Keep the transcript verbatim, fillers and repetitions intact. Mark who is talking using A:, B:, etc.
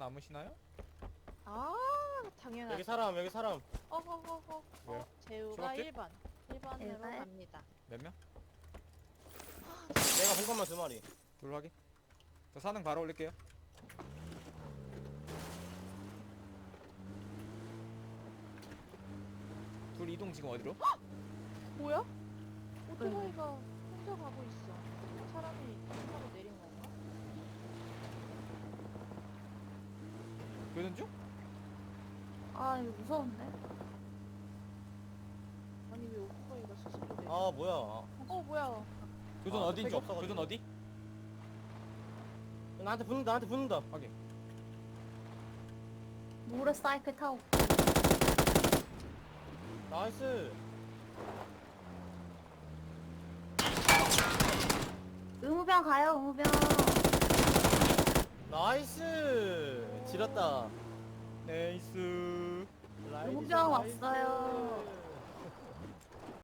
A: 남으시나요?
B: 아 당연하지.
C: 여기 사람 여기 사람.
B: 어허허허.
A: 왜요?
B: 어, 재우가
A: 초록집?
B: 일 번. 일 번으로
D: 일 번?
B: 갑니다.
A: 몇 명?
C: 내가 본 것만 두 마리.
A: 둘 확인. 저 사능 바로 올릴게요. 둘 이동 지금 어디로?
B: 뭐야? 오토바이가 혼자 가고 있어. 사람이 타고 내린 건가?
A: 교전 중?
D: 아 이거 무서운데?
B: 아니 왜 오토바이가 스스로 내려?
C: 아 뭐야?
B: 어 뭐야?
A: 교전
C: 아,
A: 어디인지
C: 택이
A: 없-
C: 없어가지고.
A: 교전 어디?
C: 나한테 붙는다 나한테 붙는다.
A: 확인.
D: 모래사이클 타고
C: 나이스.
D: 의무병 가요 의무병.
C: 나이스. 지렸다.
A: 네이스.
C: 라이디스
D: 의무병
C: 나이스.
D: 왔어요.